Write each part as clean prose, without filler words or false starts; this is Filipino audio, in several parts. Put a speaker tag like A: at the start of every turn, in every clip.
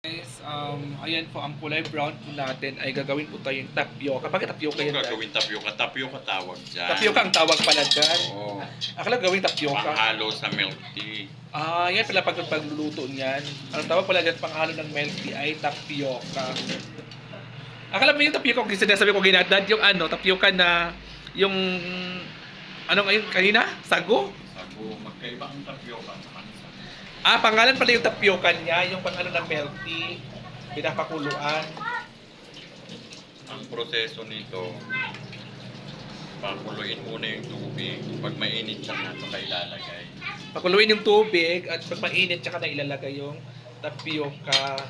A: Guys, ayan po, ang kulay brown po natin ay gagawin po tayong tapioca. Bakit tapioca yan?
B: Gagawin tapioca. Tapioca tawag dyan.
A: Tapioca ang tawag pala dyan.
B: Oo.
A: Akala gawing tapioca.
B: Panghalo sa milk tea.
A: Yan pala pag pagluluto niyan. Ang tawag pala dyan panghalo ng milk tea ay tapioca. Akala mo yung tapioca, kung sinasabi ko ginadad, yung tapioca na, yung, ngayon kanina? Sago?
B: Sago. Magkaiba ang tapioca sa kanisa.
A: Pangalan pala yung tapioca niya, yung pang ng milk tea, pinapakuluan.
B: Ang proseso nito, pakuluin muna yung tubig. Pag mainit siya na, saka ilalagay.
A: Pakuluin yung tubig at pag mainit tsaka na ilalagay yung tapioca.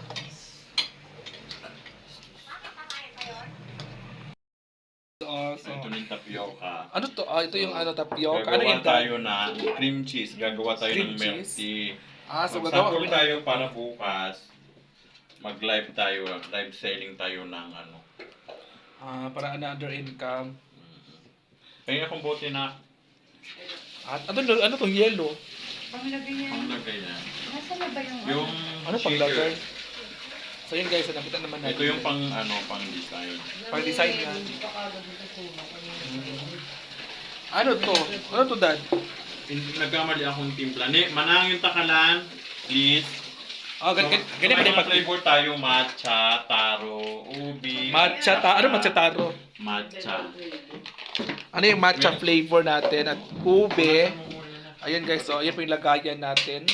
B: Ito yung tapioca.
A: Ano to? Ito yung tapioca. Ano
B: Gagawa
A: yan?
B: tayo na cream cheese. Gagawa tayo
A: Cream
B: ng milk
A: cheese?
B: tea.
A: So gagawa
B: Mag-sample
A: kami
B: tayo para bukas. Mag-live tayo. Live selling tayo ng
A: para another income.
B: Kaya akong bote na
A: At ano to? Yellow?
C: Panglagay niya.
B: panglagay na.
C: Nasaan na ba
B: Yung
A: Ano
B: shaker.
A: paglagay? So yun guys, nakita naman natin.
B: Ito yung pang design.
A: Pang design na. Ano to? Ano to, Dad?
B: Nagkamali akong timpla. Manang yung takalan, please.
A: Ganyan
B: may
A: pala
B: mga flavor tayo, matcha, taro, ubi.
A: Ano matcha taro?
B: Matcha.
A: Ano yung matcha flavor natin at ube. Ayun guys, so ayun po yung lagayan natin.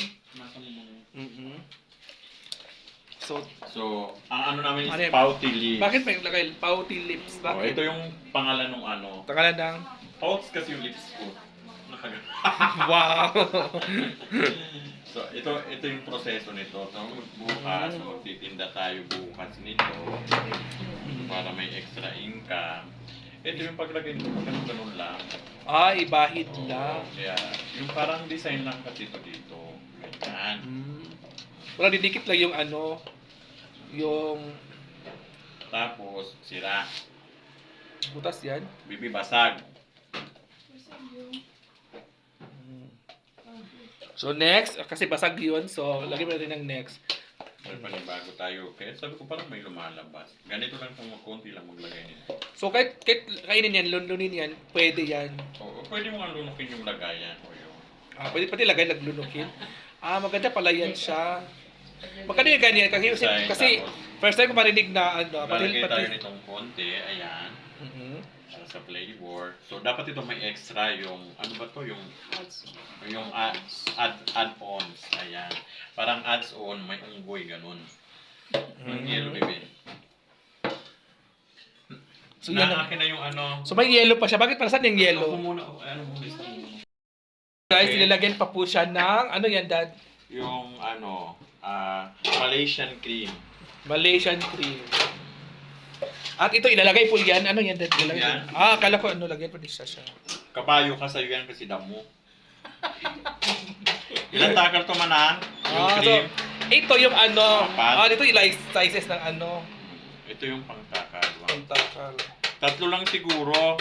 B: So, ang namin
A: Ano
B: is
A: yun?
B: pouty leaves.
A: Bakit may lagay pouty lips? Bakit?
B: Ito yung pangalan ng
A: Takalan ng
B: Pouts kasi yung lips ko.
A: wow.
B: So, ito yung proseso nito. So, bukas, titinda tayo bukas nito para may extra income. Ito yung paglagay nito, ganun lang.
A: Ibahid lang.
B: Kaya, yung parang design lang kasi ito dito. Ganyan.
A: Wala, didikit lang yung yung
B: Tapos, sira.
A: butas yan.
B: Bibibasag.
A: So next, kasi basag yun, so lagyan mo natin ng next.
B: May panibago tayo. Kaya sabi ko parang may lumalabas. Ganito lang kung konti lang maglagay nito.
A: So kahit kainin yan, lunlunin yan, pwede yan.
B: Oo, pwede mo nga lunukin yung lagayan. O yun.
A: Pwede pati lagay, naglunukin. Maganda pala yan siya. Magkano yung ganyan? Kasi first time ko marinig na
B: Lalagay tayo nitong konti. Ayan. Para sa flavor. So, dapat ito may extra yung, ano ba to? Yung add-ons. Ayan. Parang adds-on, may unggoy, ganun. Yung yellow baby.
A: So, yan
B: Naakin na yung
A: So, may yellow pa siya. Bakit para saan yung yellow?
B: Ako muna, ano muna, isa muna.
A: Guys, nilalagyan pa po siya ng, ano yan, Dad?
B: Yung, Malaysian cream.
A: Malaysian cream. At ito, ilalagay po yan. Ano yan, Dad? Ilalagay.
B: Yan.
A: Akala ko, lagyan pa din siya.
B: Kapayo ka sa'yo yan kasi damo. Ilan takal to manan? Yung cream.
A: So, ito yung dito yung sizes ng
B: Ito yung pangtakal.
A: pangtakal.
B: Tatlo lang siguro.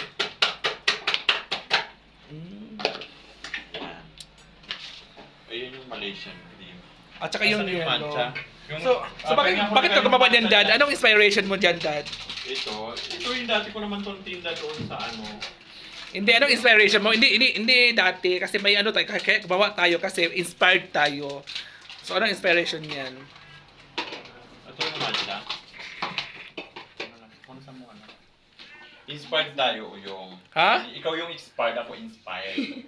B: Yan. Ayun yung Malaysian cream.
A: At saka yung
B: matcha.
A: So bakit ka gumawa niyan, Dad? Anong inspiration mo diyan, Dad?
B: Ito yung dati ko naman itong tinda doon sa
A: Hindi, anong inspiration mo? Hindi dati kasi may tayo, kaya gumawa tayo kasi inspired tayo. So anong inspiration niyan?
B: Ito yung matcha. Inspired tayo yung...
A: Ha?
B: Ikaw yung inspired, ako inspired.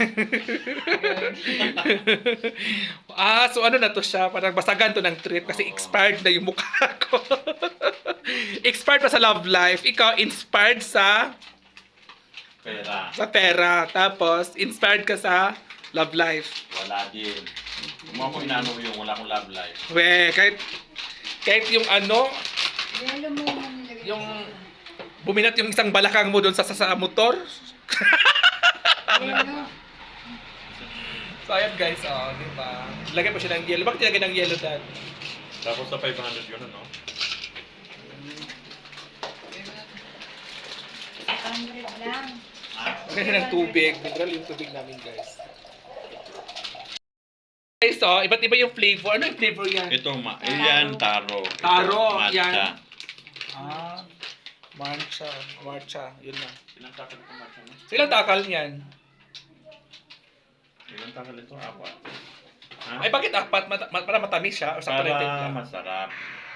A: So ano na to siya? Parang basagan to ng trip kasi expired na yung mukha ko. Expired pa sa love life. Ikaw inspired sa
B: Pera.
A: sa pera. Tapos inspired ka sa love life.
B: Wala din. Kung ako inano yung wala akong love life.
A: Kahit yung
C: Yellow mo nilagay.
A: yung buminat yung isang balakang mo doon sa motor.
C: Yellow.
A: So ayan guys, di ba? Lagyan mo siya ng yellow. Bakit nilagyan ng yellow, Dad?
B: Tapos sa 500 yun, ano?
C: 100 lang.
A: Lagyan siya ng tubig. Mineral yung tubig namin, guys. Guys, so, iba't iba yung flavor. Ano yung flavor yan?
B: Ito, yan, taro.
A: Taro,
B: Ito,
A: yan.
B: matcha.
A: Ah, matcha. Matcha, yun na.
B: Ilang takal ito, matcha mo?
A: So, ilang takal niyan?
B: Ilang takal ito? Apat. Ha?
A: Ay, bakit apat? Para matamis siya? O sa
B: Para
A: lang?
B: masarap.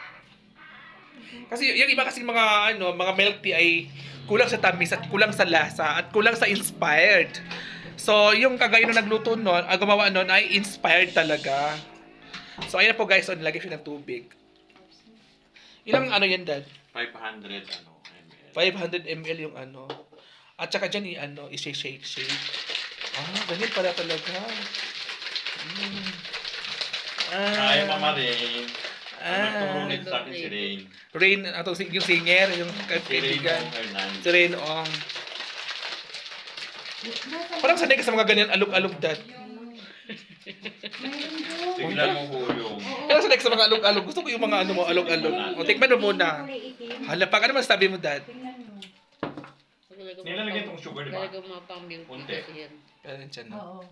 A: Kasi yung iba kasi mga milk tea ay kulang sa tamis at kulang sa lasa at kulang sa inspired. So, yung kagaya nung nagluto nun, gumawa nun ay inspired talaga. So, ayan po guys, so nilagay siya ng tubig. Ilang yan, Dad?
B: 500 ml.
A: 500 ml yung At saka dyan i-shake. Ganyan pala talaga.
B: Ay, Mama Rain. Nagturo nito sa akin si Rain.
A: Rain, yung singer, yung
B: Si Rain
A: kaibigan.
B: Hernandez.
A: Si Rain Ong. Parang sanay ka sa mga ganyan alog-alog, Dad.
C: Mayroon doon.
B: Tignan mo po yung...
A: Parang sanay ka sa mga alog-alog. Gusto ko yung mga alog-alog. O, tikman mo muna.
C: Kulay itim.
A: Hala, pag ano man sabi mo, Dad?
C: Tingnan mo.
B: Nilalagyan itong sugar, di ba?
D: Talaga mga pang-milk tea
B: Kunti.
D: kasi yan.
A: Ayan siya na.
C: Oo.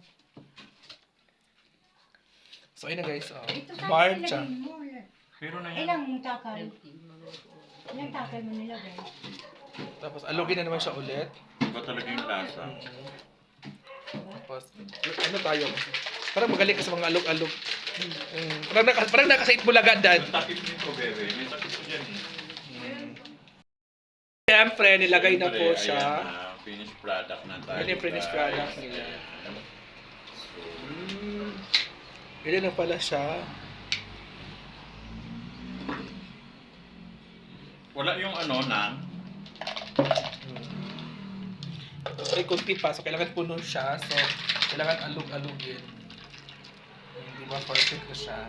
A: So, ayun na guys.
C: Ito sa
A: Marcha.
C: nilagay mo.
B: Pero na yan.
C: Ilang takal?
D: Milk tea, mga-
C: Ilang takal mo nilagay?
A: Tapos, alugin na naman siya ulit.
B: Iba talaga yung lasa.
A: Tapos, ano tayo? Parang magaling ka sa mga alog-alog. Parang nakasait bulaga, Dad.
B: Yung takip nito, bebe. May takip ko dyan eh.
A: Siyempre, nilagay na po
B: Siyempre,
A: siya.
B: ayan na, finished product na tayo.
A: Yan yung finished
B: guys.
A: product nila.
B: Ayan. So,
A: Ganyan na pala siya.
B: wala yung nang.
A: Ay, kunti pa. So, kailangan puno siya. So, kailangan alug-alugin. Di ba? Perfect na siya.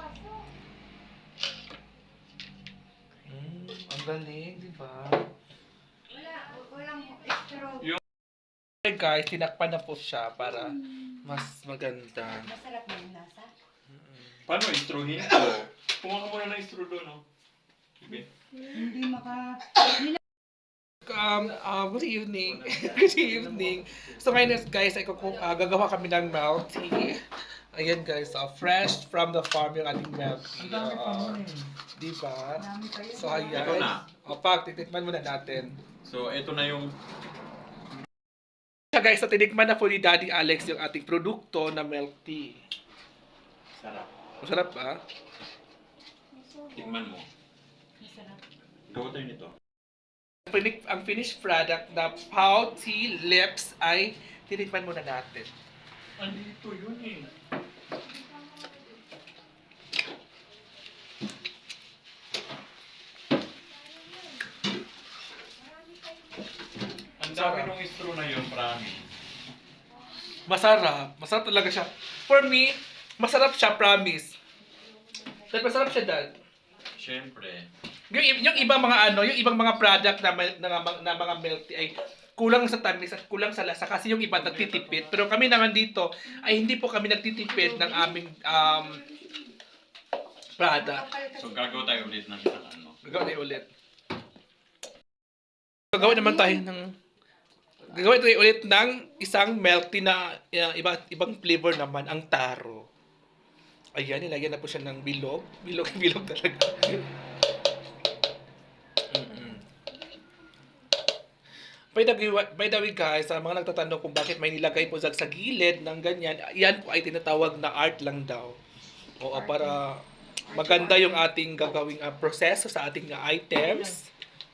A: Ang galing, di ba?
C: Walang extra.
A: Okay guys, tinakpan na po siya para mas maganda.
C: Masarap na yung lasa.
B: Paano istruhin ko? Kumuha ka muna ng istro doon, no? Okay.
C: Hindi maka...
A: Good evening. Good evening. So ngayon guys, ay gagawa kami ng milk tea. Ayan guys, fresh from the farm yung ating milk tea. Diba?
C: Dami pa yun.
A: So ayan.
B: Ito na.
A: Titikman muna natin.
B: So, ito na yung...
A: So guys, so tinikman na po ni Daddy Alex yung ating produkto na milk tea.
B: Sarap.
A: Masarap ba?
B: Tingnan mo.
C: Masarap.
B: Gawa tayo nito.
A: Ang finished product na Pau Tea Lips ay tinikman muna natin.
B: Andito yun eh. Ang dami nung istro na yun, promise.
A: Masarap. Masarap talaga siya. For me, masarap siya, promise. Dad, masarap siya, Dad.
B: Siyempre.
A: Yung ibang mga yung ibang mga product na mga milk tea ay kulang sa tamis at kulang sa lasa kasi yung iba nagtitipid. Pero kami naman dito ay hindi po kami nagtitipid ng aming product.
B: So, gagawa tayo ulit ng isang
A: Gagawin tayo ulit. Gagawin tayo ulit ng isang milk tea na ibang flavor naman, ang taro. Ayan, nilagyan na po siya ng bilog. Bilog talaga. By the way guys, sa mga nagtatanong kung bakit may nilagay po sa gilid ng ganyan, yan po ay tinatawag na art lang daw. Oo, para maganda yung ating gagawing proseso sa ating items.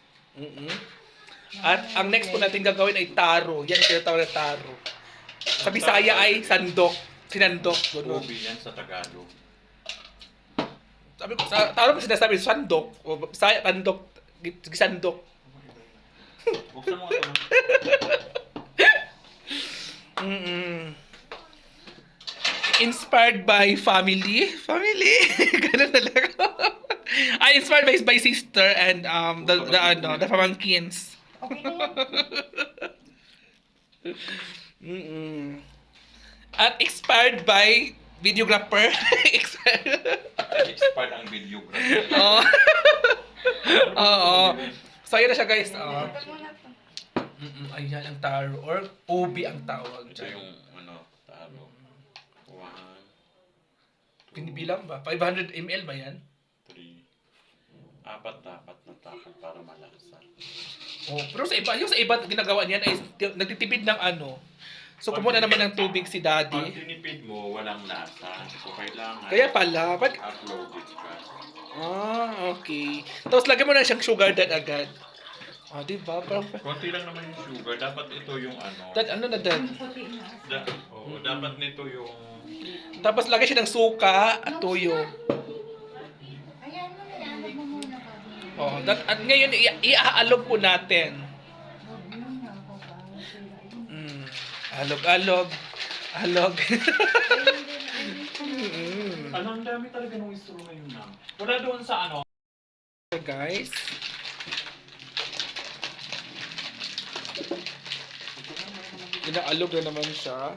A: At ang next po natin gagawin ay taro. Yan ang tinatawag na taro. Sa Bisaya ay sandok. Sinandok. Ganun.
B: Ubi yan sa Tagalog.
A: Sabi ko, sa taro ko sinasabi, sandok. O Bisaya, tandok. Gisandok.
B: Buksan mo ito.
A: Inspired by family. Family. Ganun talaga. Ay, inspired by sister and the pamangkins.
C: Okay na yan.
A: At expired by videographer.
B: Expired ang videographer.
A: Oo. Oo. So, ayun na siya guys.
C: Dapat mo na to.
A: Ayan ang taro. Or OB ang tawag
B: Ito
A: dyan.
B: yung taro. 1,
A: Pinibilang ba? 500 ml ba yan?
B: 3. Apat dapat na takal para malasa.
A: Oh, pero sa iba, yung sa iba ginagawa niyan ay nagtitipid ng ano. So kumuha na naman ng tubig si
B: Pag
A: Daddy.
B: tinipid mo, walang lasa. So, kailangan
A: Kaya pala,
B: uploaded ka.
A: okay. Tapos lagyan mo na siyang sugar dad agad. Diba? Parang,
B: Konti lang naman yung sugar. Dapat ito yung ano.
A: dad, ano na dad?
C: Puti na.
B: Dapat nito yung...
A: Tapos lagyan siya ng suka at tuyo.
C: Ayan mo na yan. Alam mo muna bago.
A: At ngayon, iaalog po natin.
C: Huwag mo na ako ba? Sila yun.
A: Alog. Alog.
B: Ang dami talaga ng istro ngayon na. Wala doon sa ano.
A: Guys. Inaalog na naman siya.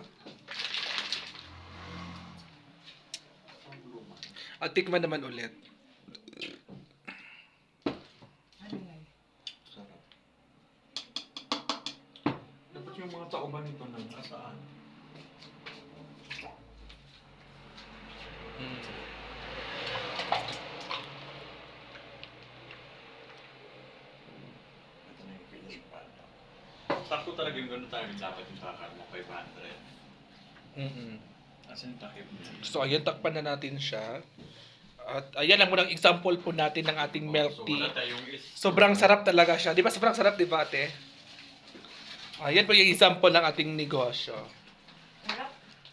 A: At tikman naman ulit.
C: Ano yan?
B: Sarap. Dapat yung mga tauban nito na nasaan. Ito na yung finished product. Sakto talaga yung gano'n tayo dapat yung takal mo, 500. Asan yung takip niya?
A: So ayan, takpan na natin siya. At ayan lang munang example po natin ng ating milk
B: So,
A: tea.
B: wala tayong
A: Sobrang sarap talaga siya. Di ba sobrang sarap, di ba ate? Ayan po yung example ng ating negosyo.
C: Sarap.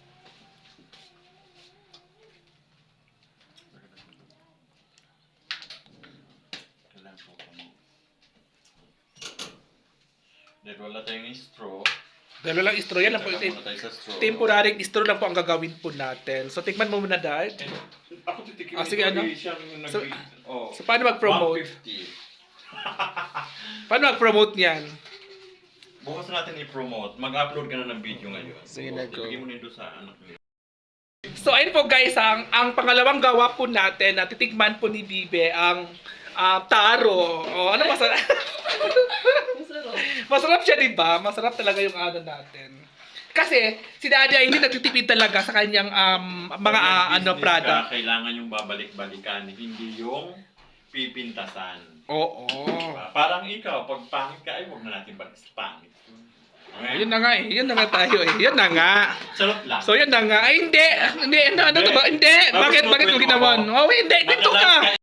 B: Kailangan po kami. Dahil wala tayong straw.
A: Dahil lang istro, yan lang po.
B: Taga muna tayo sa straw.
A: Temporary istro lang po ang gagawin po natin. So tikman mo muna dad.
B: Ako titikim
A: Sige, ano?
B: Siyang
A: So-
B: oh.
A: So paano mag-promote?
B: 150.
A: Paano mag-promote niyan?
B: Bukas natin i-promote. Mag-upload ka na ng video ngayon.
A: Sige na, go.
B: Ibigay mo nito sa anak niyo.
A: So ayun po guys, ang pangalawang gawa po natin na titikman po ni Bibe ang taro. Ano masarap?
D: Masarap.
A: Masarap siya, di ba? Masarap talaga yung ano natin. Kasi si Daddy ay hindi nagtitipid talaga sa kanyang mga
B: Business
A: product.
B: ka, kailangan yung babalik-balikan, hindi yung pipintasan.
A: Oo.
B: Diba? Parang ikaw, pag pangit ka, ay huwag na natin balik sa pangit. Okay?
A: Yun na nga eh. Yun na nga tayo eh. Yun na nga.
B: Sarap lang.
A: So yun na nga. Ay hindi. Hindi. Ano to ba? Hindi. Bakit mo ginawa? Oh, hindi. Dito ka.